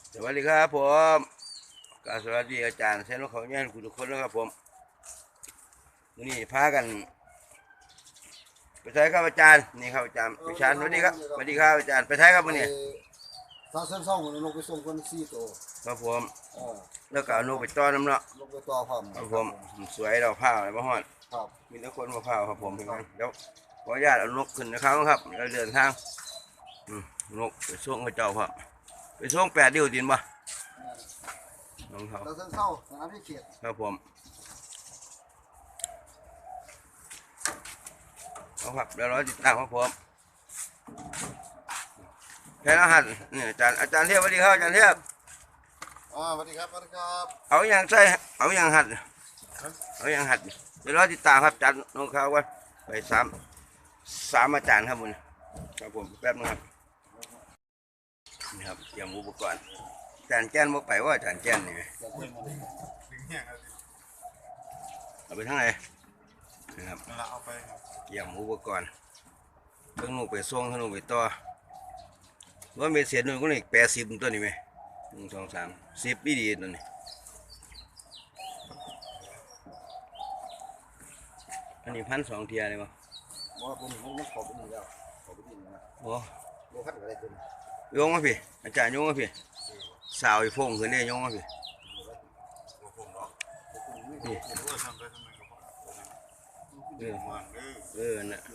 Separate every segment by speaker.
Speaker 1: สวัสดีครับผมกราบสวัสดีอาจารย์เซนเขาเนี่ยคุณทุกคนนะครับผมวันนี้พากันไปใช้ครับอาจารย์นี่ครับอาจารย์ไปชานสวัสดีครับสวัสดีครับอาจารย์ไปใช้ครับวันนี้
Speaker 2: ถ้าเส้นซ่องลงไปส่งคน4 ตัว
Speaker 1: ครับผมแล้วก็เอานกไปต้อนน้ำเนาะ
Speaker 2: ลงไปต่อพร้อม
Speaker 1: ครับผมสวยเราผ้าอะไรบ้างฮอด
Speaker 2: ครับ
Speaker 1: มีทุกคนมาผ้าครับผมเห็นไหมเดี๋ยวขออนุญาตเอานกขึ้นนะครับครับเราเดินทางนกไปส่งพระเจ้าครับไปส่ง8 ดิ้วดินบ่น้องเขา
Speaker 2: ถ้าเส้นเศร้าสนามพิเศษ
Speaker 1: ครับผมเอาครับเดี๋ยวเราติดตามครับผมแค่รหัสนี่อาจารย์เทียบสวัสดีครับอาจารย์เทียบ
Speaker 2: สวัสดีครับสวัสดีครับ
Speaker 1: เอาอย่างใส่เอาอย่างหัดเอาอย่างหัดเดี๋ยวเราติดตามครับอาจารย์น้องเขาว่าไปสามอาจารย์ครับคุณครับผมแป๊บนึงครับนี่ครับเตรียมอุปกรณ์อาจารย์แจ้นบอกไปว่าอาจารย์แจ้นนี่เอาไปทั้งไหนนะครับ
Speaker 2: เอาไป
Speaker 1: เตรียมอุปกรณ์ทั้งหนูไปส่งทั้งหนูไปต่อว่าเมเสียหนูก็นี่80ตัวนี่ไหม1 2 3 10ปีดีตัวนี้อันนี้1,200เทียเลยมั้ง
Speaker 2: ว่าผมไม่ขอไปนี่แล้วขอไปนี่นะ
Speaker 1: โอ้
Speaker 2: โลคัดอะไรตัวนี้
Speaker 1: โยงมาพี่อาจารย์โยงมาพี่สาวอีฟงขึ้นได้โยงมาพี่นี่น่ะ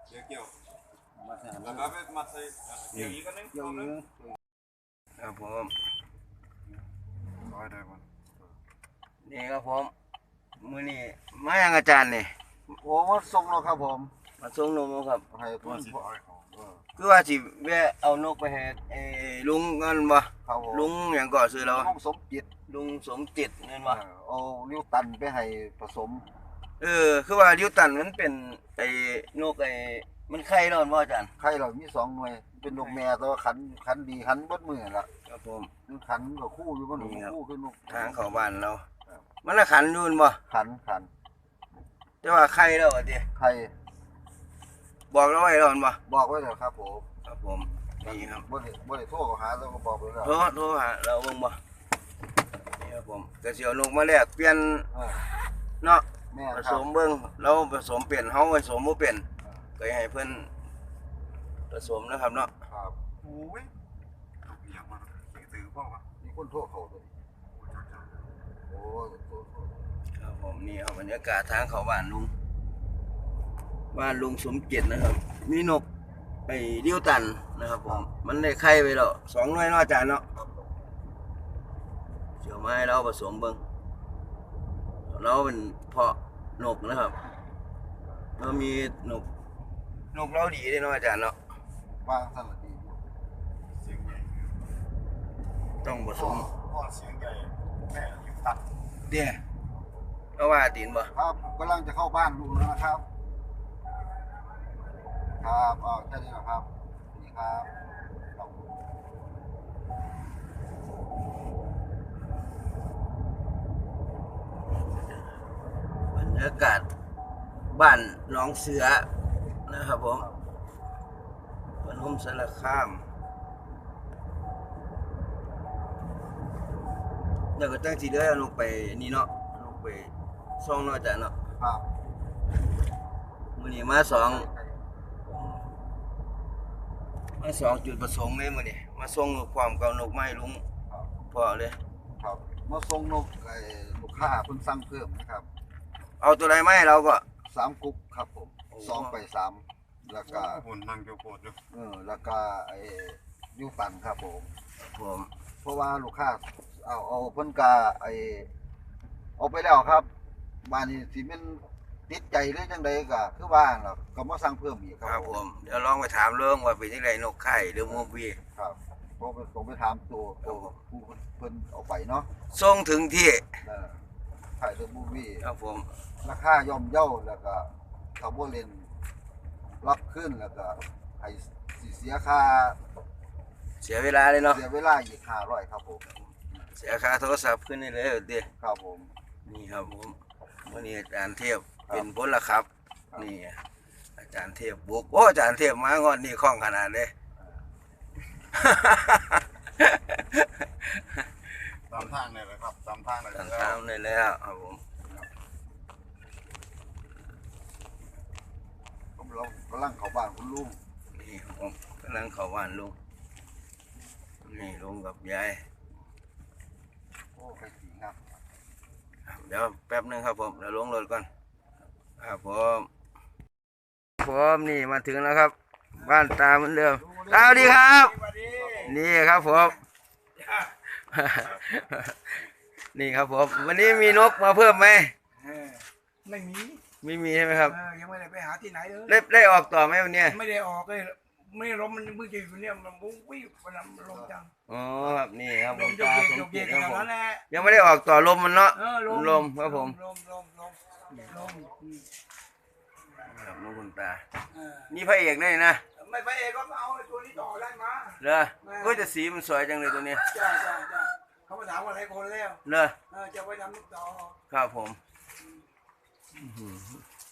Speaker 1: ครับผมนี่ครับผมมือนี่มาอย่างอาจารย์นี่
Speaker 2: โอ้มาส่งแล้วครับผม
Speaker 1: มาส่งนมครับ
Speaker 2: ให้ทุน
Speaker 1: คือว่าสิแวะเอานกไปให้ลุงเงินบ่ลุงอย่างก่อซื้อเรา
Speaker 2: ลุงสมจิต
Speaker 1: ลุงสมจิตเงินบ่
Speaker 2: เอาลิ้วตันไปให้ผสม
Speaker 1: คือว่าลิ้วตันมันเป็นนกมันไข่ร้อนบ่อาจารย์
Speaker 2: ไข่เรามี2 หน่วยเป็นนกแม่แต่ว่าขันดีขันเบิดมือละ
Speaker 1: ครับผม
Speaker 2: ขันกับคู่อยู่บ่หนูคู่คือนก
Speaker 1: ทางเข้าบ้านเรามันละขันอยู่บ่
Speaker 2: ขัน
Speaker 1: แต่ว่าไข่แล้วอ่ะติ
Speaker 2: ไข่
Speaker 1: บอกเราไว้ร้อนบ่
Speaker 2: บอกไว้แล้วครับผม
Speaker 1: ครับผมนี่ครับ
Speaker 2: บ่ได้โทรหาเราก็บอกไปแล้ว
Speaker 1: โทรหาเราเบิ่งบ่นี่ครับผมก็สิเอานกมาแลกเปลี่ยนเนาะผสมเบิ่งเราผสมเปลี่ยนเฮาผสมบ่เป็นก็ให้เพิ่นผสมนะครับเนาะ
Speaker 2: ครับโอ้ยอย่างมันถือพ่อวะมีคนโทรเขาด้วยโอ้ย
Speaker 1: ครับผมนี่ครับบรรยากาศทางเข้าบ้านลุงสมเกียรตินะครับมีนกเลี้ยวตันนะครับผมมันได้ไข่ไปแล้ว2 หน่วยเนาะอาจารย์เนาะเดี๋ยวมาให้เราผสมเบิ่งเราเป็นเพาะนกนะครับเรามีนกเราดีเลยเนาะอาจารย์เนาะ
Speaker 2: ว่างสั่นละดีเสียงใหญ่
Speaker 1: ต้องผสม
Speaker 2: พ่อเสียงใหญ่แม่ยิ้มตัด
Speaker 1: เดี๋ยวเราว่าตีนบ่
Speaker 2: ครับกำลังจะเข้าบ้านลุงนะครับครับแค่นี้นะครับนี่ครับ
Speaker 1: บรรยากาศบ้านหนองเสือนะครับผมปฐมสารคามแล้วก็ตั้งทีเดียวลงไปนี่เนาะลงไปส่องเนาะอาจารย์เนาะ
Speaker 2: ครับ
Speaker 1: มื้อนี้มา2จุดประสงค์เลยมื้อนี้มาส่งความเก่านกไม้ลุงพอเลย
Speaker 2: ครับมาส่งนกลูกค้าเพิ่นสั่งเพิ่มนะครับ
Speaker 1: เอาตัวใดมาให้เราก็
Speaker 2: 3 กุ๊กครับผม2 ไป 3แล้วก็
Speaker 3: ผลนั่งเกี่ยวโคตร
Speaker 2: แล้วก็ยูตันครับผมเพราะว่าลูกค้าเอาเพิ่นก็เอาไปแล้วครับบ้านนี้สิแม่นติดใจหรือจังไดก็คือว่าล่ะก็มาสั่งเพิ่มอีก
Speaker 1: ครับผมเดี๋ยวลองไปถามเรื่องว่าเป็นจังไดนกไข่หรือมูบี
Speaker 2: ครับผมไปถามตัวผู้เพิ่นเอาไปเนาะ
Speaker 1: ส่งถึงที่
Speaker 2: ไข่หรือมูบี
Speaker 1: ครับผม
Speaker 2: ราคาย่อมเยาแล้วก็เขาบ่เล่นรับขึ้นแล้วก็ให้เสียค่า
Speaker 1: เสียเวลาเลยเนาะ
Speaker 2: เสียเวลาอีก500ครับผม
Speaker 1: เสียค่าโทรศัพท์ขึ้นนี่เลยดิ
Speaker 2: ครับผม
Speaker 1: นี่ครับผมวันนี้อาจารย์เทพเป็นพลครับนี่อาจารย์เทพบุกโอ้อาจารย์เทพมางอนนี่คล่องขนาดเลยแล้วครับผม
Speaker 2: เรากำลังเข้าบ้านคุณลุง
Speaker 1: นี่ครับผมกำลังเข้าบ้านลุงนี่ลุงกับยาย
Speaker 2: โอ้ไปสีครับ
Speaker 1: เดี๋ยวแป๊บนึงครับผมเดี๋ยวลงรถก่อนครับผมนี่มาถึงแล้วครับ บ้านตาเหมือนเดิมตาสวัสดีครับ นี่ครับผม นี่ครับผมวันนี้มีนกมาเพิ่มไหม
Speaker 3: ไม่มี
Speaker 1: ไม่มีใช่ไหมครับ
Speaker 3: ยังไม่ได้ไปหาที่ไหนเลย
Speaker 1: ได้ออกต่อไหมวันเนี้ย
Speaker 3: ไม่ได้ออกเลยไม่ลมมันเพิ่งจะอยู่เนี่ยมันวุ้งวิ่งมันลมจัง
Speaker 1: อ๋อครับนี่ครับ
Speaker 3: ล
Speaker 1: ผม
Speaker 3: มโย
Speaker 1: ตาก
Speaker 3: เยก
Speaker 1: สม
Speaker 3: โยกเย
Speaker 1: จิต
Speaker 3: ก
Speaker 1: ครับ
Speaker 3: ข
Speaker 1: ผม
Speaker 3: นาดนั้นแหละ
Speaker 1: ยังไม่ได้ออกต่อลมมันเนาะ ลมครับผม
Speaker 3: ลม
Speaker 1: ครับน้องคุณตา
Speaker 3: เออ
Speaker 1: นี่พระเอกนี่นะ
Speaker 3: ไม่ไปเองก็เอาไอ้ตัวนี้ต่อได้มา
Speaker 1: เหรอก็จะสีมันสวยจังเลยตัวนี้
Speaker 3: จ้าเขามาถามว่าอะไรคนแล้ว
Speaker 1: เหรอ
Speaker 3: จะไปทำลูกต่อ
Speaker 1: ครับผมอื้อหือ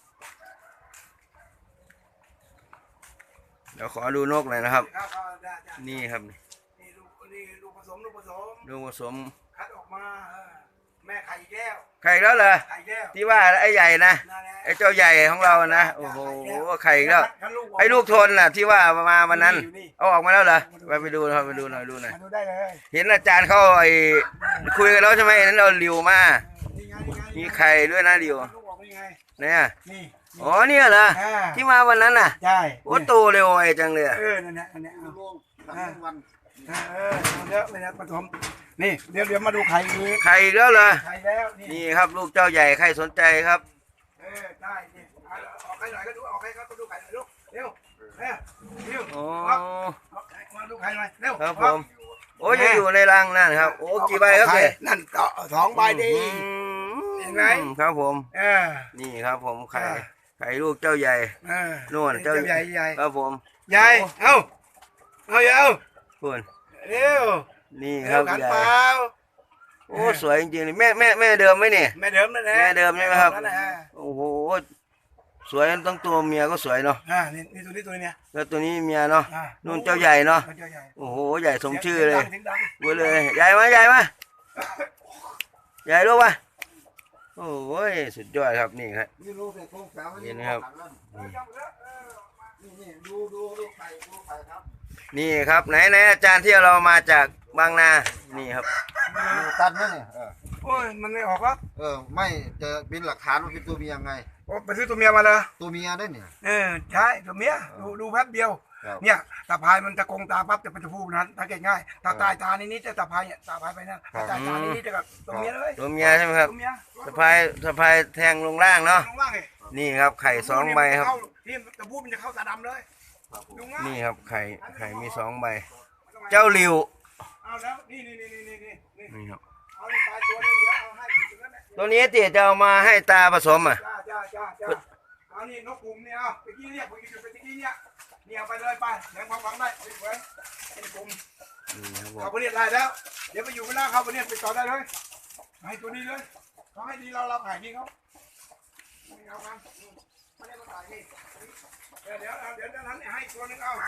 Speaker 1: เดี๋ยวขอดูนกหน่อยนะครับ
Speaker 3: ครับได้จ้า
Speaker 1: นี่ครับ
Speaker 3: นี่ลูกผสม
Speaker 1: ลูกผสม
Speaker 3: คัดออกมาแม่ไข่อีกแล้ว
Speaker 1: ไข่แล้วเหรอ
Speaker 3: ไข่แล้ว
Speaker 1: ที่ว่าไอ้ใหญ่นะ
Speaker 3: นั่นแหละ
Speaker 1: ไอ้เจ้าใหญ่ของเรานะโอ้โหไข่อีกแล้ว
Speaker 3: คัดลูก
Speaker 1: ไอ้ลูกทนน่ะ ที่ว่ามาวันนั้น
Speaker 3: อยู่นี่
Speaker 1: เอาออกมาแล้วเหรอไปดูนะครับไปดูหน่อยดูหน่อย
Speaker 3: มาดูได้เลย
Speaker 1: เห็นอาจารย์เขาไอ้คุยกันแล้วใช่ไหมนั้นเราริวมา
Speaker 3: นี่ไง
Speaker 1: มีไข่ด้วยนะริว
Speaker 3: ลูกออกเป็นไง
Speaker 1: เนี่ย
Speaker 3: นี่
Speaker 1: อ๋อเนี่ยเหรอที่มาวันนั้นน่ะ
Speaker 3: ใช่
Speaker 1: โอ้โตเร็วไอ้จังเลยอะ
Speaker 3: นั่นแหละอันเนี้ย
Speaker 2: คุณลุงทำทั้งวัน
Speaker 3: เยอะเลยนะผสมนี่เดี๋ยวมาดูไข่อีก
Speaker 1: ไข่อีกแล้วเหรอ
Speaker 3: ไข่แล้ว
Speaker 1: นี่ครับลูกเจ้าใหญ่ใครสนใจครับ
Speaker 3: ได้นี่ออกไข่หน่อยก็ดูออกไข่ก็ดูไข่หน่อยลูกเร็วเร็ว
Speaker 1: โอ้
Speaker 3: มาดูไข่หน่อยเร็ว
Speaker 1: ครับผมโอ้ยยังอยู่ในรังนั่นครับโอ้กี่ใบครับเนี่ย
Speaker 3: นั่นต่อ2 ใบดี เห็นไหม
Speaker 1: ครับผม
Speaker 3: เออ
Speaker 1: นี่ครับผมไข่ลูกเจ้าใหญ่ นู่น
Speaker 3: เจ้าใหญ่ใหญ่
Speaker 1: ครับผม
Speaker 3: ใหญ่เอาอย่าเอา
Speaker 1: คุณ
Speaker 3: เร็ว
Speaker 1: นี่ครับ
Speaker 3: ขัน
Speaker 1: ใหญ่
Speaker 3: เปล่า
Speaker 1: โอ้สวยจริงๆเลยแม่เดิมไหมเนี่ย
Speaker 3: แม่เดิมนั่นแหละ
Speaker 1: แม่เดิมใช่ไหมครับ
Speaker 3: นั่นแหละ
Speaker 1: โอ้โหสวยทั้งตัวเมียก็สวยเนาะ
Speaker 3: นี่ตัวนี้เนี่ย
Speaker 1: แล้วตัวนี้เมียเนาะนู่นเจ้าใหญ่เนาะ
Speaker 3: เจ้าใหญ่
Speaker 1: โอ้โหใหญ่สมชื่อเลย
Speaker 3: สีงดัง
Speaker 1: เว้ยเลยใหญ่ไหมใหญ่ลูกวะโอ้ยสุดยอดครับนี่ครับ
Speaker 2: นี่ลูกเด็กโค้งสาว
Speaker 1: นี่นะครับ
Speaker 2: นี่ดูไข่ครับ
Speaker 1: นี่ครับไหนอาจารย์ที่เรามาจากบางนานี่ครับ
Speaker 2: ดูตันนะเนี่ย
Speaker 3: โอ้ยมันไม่ออกแล้ว
Speaker 2: ไม่จะเป็นหลักฐานว่าเป็นตัวเมียไง
Speaker 3: โอ้ไปซื้อตัวเมียมาเลย
Speaker 2: ตัวเมียได้เนี่ย
Speaker 3: ใช่ตัวเมียดูแป๊บเดียว
Speaker 2: ครับ
Speaker 3: เนี่ยตาพายมันตะกงตาปั๊บจะเป็นตัวผู้นั้นตาเก่งง่ายตาตายตานิดจะตาพายเนี่ยตาพายไปนั่นตาตายตานิดจะกับตัวเมียเลย
Speaker 1: ตัวเมียใช่ไหมครับ
Speaker 3: ตัวเมีย
Speaker 1: สะพายแทงลงล่างเนาะ
Speaker 3: ลงล่างเลย
Speaker 1: นี่ครับไข่2 ใบครับ
Speaker 3: ที่ตะพูมันจะเข้าตาดำเลยดูง่าย
Speaker 1: นี่ครับไข่มี2 ใบ เจ้าริว
Speaker 3: เอาแล้วนี่
Speaker 1: นี่ครับ
Speaker 3: เอาไปตัวนึงเดี๋ยวเอาให้ถึงนั้นแหละ
Speaker 1: ตัวนี้ติจะเอามาให้ตาผสมอ่ะ
Speaker 3: จ้าเอานี่นกกลุ่มเนี่ยเอาไปกี้เนี่ยไปกี้เนี่ยเอาไปเลยไปเดี๋ยวความหวังได้ไปไว้เป็นกลุ่ม
Speaker 1: นี่ครับผม
Speaker 3: เขาไปเรียนได้แล้ว เดี๋ยวไปอยู่ข้างหน้าเขาไปเรียนไปต่อได้เลยให้ตัวนี้เลยเขาให้ดีเราขายดีเขาไม่เอากันไม่ได้มาขายนี่เดี๋ยวนั้นให้ตัวนึงเอา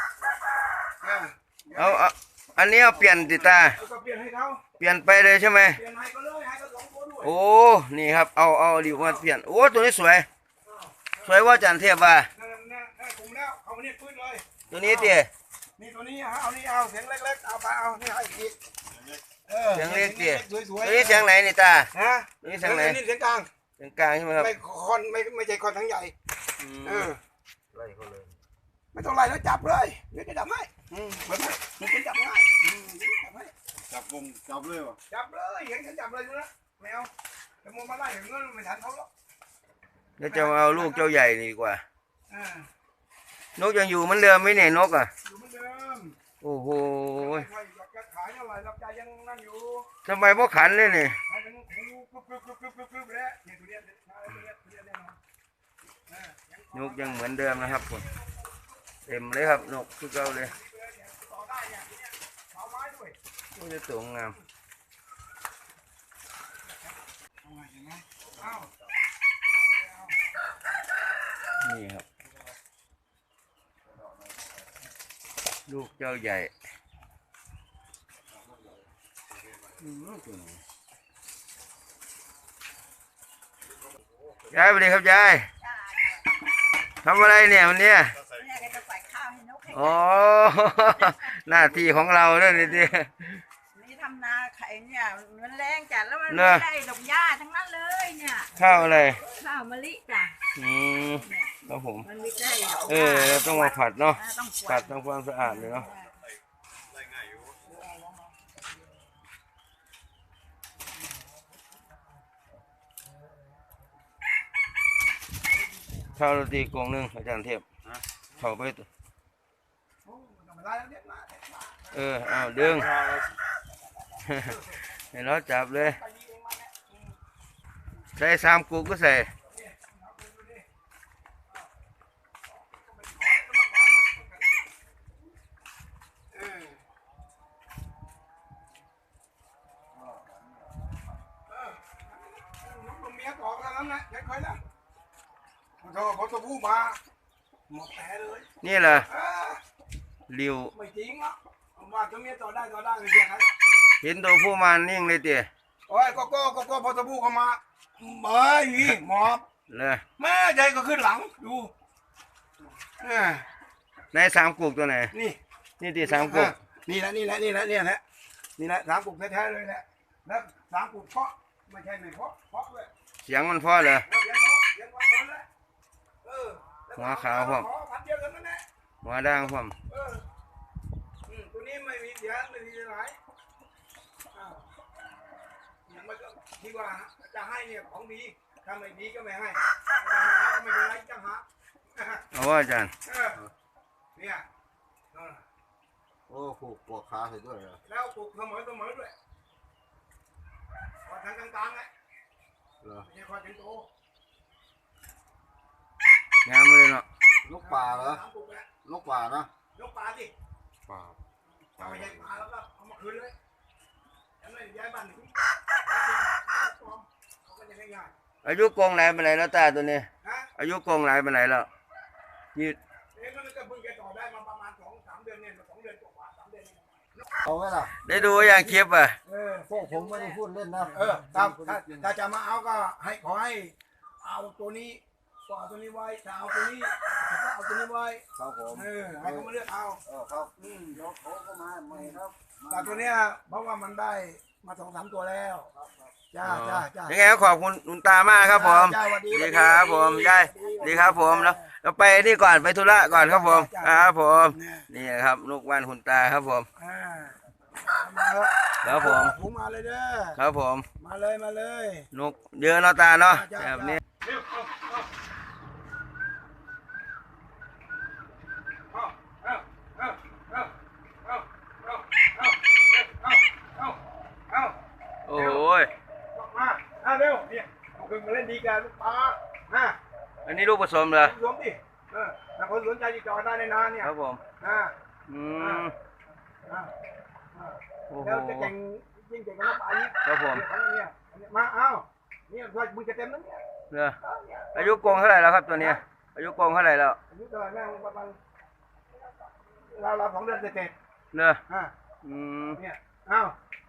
Speaker 1: เอาอันนี้เอาเปลี่ยนติตา
Speaker 3: ก็เปลี่ยนให้เขา
Speaker 1: เปลี่ยนไปเลยใช่ไหม
Speaker 3: เปลี่ยนให้ก็เลยให้ก็2 ตัวด้วย
Speaker 1: โอ้นี่ครับเอาริวมาเปลี่ยนโอ้ตัวนี้สวยว่าอาจารย์เทพว่า
Speaker 3: นั่นกลุ่มแล้วเอาเนี่ยพื้นเลย
Speaker 1: ตัวนี้ติ
Speaker 3: นี่ตัวนี้เอาเสียงเล็กๆเอาไปเอานี่ให้อีก
Speaker 1: เสียงเล็กติ
Speaker 3: สวย
Speaker 1: ตัวนี้เสียงไหนนี่ตา
Speaker 3: ฮะ
Speaker 1: ตัวนี้เสียงไหน
Speaker 3: นี่เสียงกลาง
Speaker 1: เสียงกลางใช่ไหมครับ
Speaker 3: ไม่ใช่คอนทั้งใหญ่
Speaker 1: อืม
Speaker 2: ไล่เขาเลย
Speaker 3: ไม่ต้องไล่แล้วจับเลยเดี๋ยวจะจับให้เหมือนมันจะจับง่ายจับให้
Speaker 2: จับเลยวะ
Speaker 3: จับเลยเห็นฉันจับเลยดูนะไม่เอาแต่มึงมาไล่เห็นเงินไม่ทันเขาหรอก
Speaker 1: เดี๋ยวจะเอาลูกเจ้าใหญ่นี่ดีกว่า
Speaker 3: อ่าน
Speaker 1: กยังอยู่เหมือนเดิมไหมเนี่ยนกอ่ะ
Speaker 3: อยู่เหมือนเดิม
Speaker 1: โอ้โห
Speaker 3: ไม่ค่อยอยากจะขายเท่าไหร่รับใจยังนั่งอยู่
Speaker 1: ทำไมพ่อขันเลยนี่
Speaker 3: ให้มันหูกึบแล้วเนี่ยตัวเนี้ยแน่นอน
Speaker 1: นกยังเหมือนเดิมนะครับผมเต็มเลยครับนกคือเก่าเลย
Speaker 3: ต่อได้เนี่ยทีเนี้ยเอาไม้ด้วย
Speaker 1: โอ้จะตัวงาม
Speaker 3: เห็นไหมเอา
Speaker 1: นี่ครับ ลูกเจ้าใหญ่ยายสวัสดีครับยายทำอะไรเนี่ยวันเนี้ย
Speaker 4: เนี่ยก็จะใส่ข้าวให้นกให้
Speaker 1: อ๋อ หน้าที่ของเราเนี่ยนี่ดิ
Speaker 4: นี่ทำนาไข่เนี่ยมันแรงจัดแล้วมัน
Speaker 1: เนอะ
Speaker 4: ไม่ได้ดอกหญ้าทั้งนั้นเลยเนี่ย
Speaker 1: ข้าวอะไร
Speaker 4: ข้าวมะลิจ้ะ
Speaker 1: อืมครับผม
Speaker 4: มันไม่ได้ดอกห
Speaker 1: เอ
Speaker 4: ญ้า
Speaker 1: อเราต้องมาผัดเนาะ
Speaker 4: ต้องกวา
Speaker 1: ผั
Speaker 4: ด
Speaker 1: ดทำความสะอาดเลยเนาะข้าวโรตีกล่องหนึงอาจารย์เทพเข้าไปตัว
Speaker 3: โอ้ธรรมดาแล้วเนี่ยมา
Speaker 1: เอาดึง ให้เราจับเลย ใส่3 กุกก็ใส่
Speaker 3: น้องเมียต่อกันแล้วนะเดี๋ยวค่อยนะมันเขาเขาตัวผู้มาหมดแผลเลย
Speaker 1: นี่แหละ
Speaker 3: เออ
Speaker 1: ริว
Speaker 3: ไม่จริงอ่ะว่าตัวเมียต่อได้เลยเดียวครับ
Speaker 1: เห็นตัวผู้มานิ่งเลยเตี๋ย
Speaker 3: โอ้ยก็พอตัวผู้เข้ามาเอ้ยหมอบ
Speaker 1: เลย
Speaker 3: แม่ใจก็ขึ้นหลังดูเออ
Speaker 1: ใน3 กุกตัวไหน
Speaker 3: นี่
Speaker 1: นี่ที่3 กุก
Speaker 3: นี่แหละ3 กุกแท้ๆเลยแหละแล้ว3 กุกเพาะไม่ใช่ไม่เพาะด้วย
Speaker 1: เสียงมันเพอเลย
Speaker 3: เสียงเพาะเลยแล้ว
Speaker 1: หัวขาวพร้อม
Speaker 3: พันเดียวกันนั่นแหละ
Speaker 1: หัวด่างพร้อม
Speaker 3: ตัวนี้ไม่มีเสียงไม่มีอะไรอ้าวยังไม่ที่ว่าจะให้เนี่ยของดีถ้าไม่ดีก็ไม่ให้ถ้าไม่เอาก็ไม่เป็นไรจังหะ
Speaker 1: เอาว่าอาจารย์
Speaker 3: เนี่ย
Speaker 2: โอ้ผูกปวดขาใส่ด้วยเหรอ
Speaker 3: แล้วปลูกเสมอด้วยพอทางกลางๆไง
Speaker 2: เหรอ
Speaker 3: ไม่ใช่พอถึงโต
Speaker 1: งามเลยเนาะ
Speaker 2: นกป่าเหรอ
Speaker 3: 3 กุกแล้ว
Speaker 2: นกป่านะ
Speaker 3: ยกปลาสิ
Speaker 2: ป่า
Speaker 3: ถ้าไม่ใช่ปลาแล้วก็เอามาคืนเลยแล้วไม่ย้ายบ้านหนีเขาก็จะง่าย
Speaker 1: อายุกงไหนเป็นไหนแล้วตาตัวนี้
Speaker 3: ๆนะ
Speaker 1: อายุกงไหนเป็นไหนแล้วยืด
Speaker 3: มันก็เพิ่งจะต่อได้มาประมาณ2-3 เดือนเนี่ย2 เดือนกว่า3 เดือน
Speaker 2: เอาไหมล่ะ
Speaker 1: ได้ดูอย่างคลิปอ่ะ
Speaker 2: พวกผมไม่ได้พูดเล่นนะ
Speaker 3: ถ้าจะมาเอาก็ขอให้เอาตัวนี้ก็เอาตัวนี้ไว้ถ้าเอาตัวนี้ก็เอาตัวนี้ไว้
Speaker 2: ครับผม
Speaker 3: ให้เขามาเลือกเอา
Speaker 2: ครับเดี๋ยวเขาก็มาใหม่ครับ
Speaker 3: แต่ตัวเนี้ยเพราะว่ามันได้มา2-3 ตัวแล้วจ้า
Speaker 1: ยังไงก็ขอบคุณคุณตามากครับผม
Speaker 3: จ้าสวัสดี
Speaker 1: ดีครับผมยายดีครับผมแล้วเราไปนี่ก่อนไปธุระก่อนครับผมครับผมนี่ครับลูกบ้านคุณตาครับผม
Speaker 3: มาเถอะ
Speaker 1: ครับผม
Speaker 3: หูมาเลยเด้อ
Speaker 1: ครับผม
Speaker 3: มาเลย
Speaker 1: นกเยอะเนาะตาเนาะแบบนี้ โอ้โหย
Speaker 3: มาเร็วเนี่ยเอาขึ้นมาเล่นดีกันลูกปลา
Speaker 1: อันนี้ลูกผสมเหรอ
Speaker 3: รวมดิถ้าคนสนใจติดต่อได้ในนานเนี่ย
Speaker 1: ครับผม อืมโอ้โห
Speaker 3: แล้วจะเก่งยิ่งเก่งกับลูกปลาอีก
Speaker 1: ครับผม
Speaker 3: เนี่ยมาเอาเนี่ยมึงจะเต็มแล้วเนี่ย
Speaker 1: เนอะอายุกงเท่าไหร่แล้วครับตัวเนี้ยอายุกงเท่าไหร่แล้ว
Speaker 3: อายุเท่าไหร่แม่งประมาณเรา2 เดือนเสร็จ
Speaker 1: เนอะ
Speaker 3: ๆ
Speaker 1: อืม
Speaker 3: เนี่ยเอา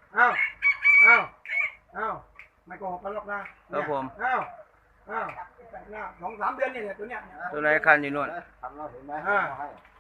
Speaker 3: ไม่โกหกกันหรอกนะครับ
Speaker 1: ผม
Speaker 3: เอา2-3 เดือนเนี่ยตัวเนี้ย
Speaker 1: ตัวไหนคันอยู่นู่น
Speaker 2: ทำเราเห็นไหม
Speaker 3: อ่า
Speaker 2: ให้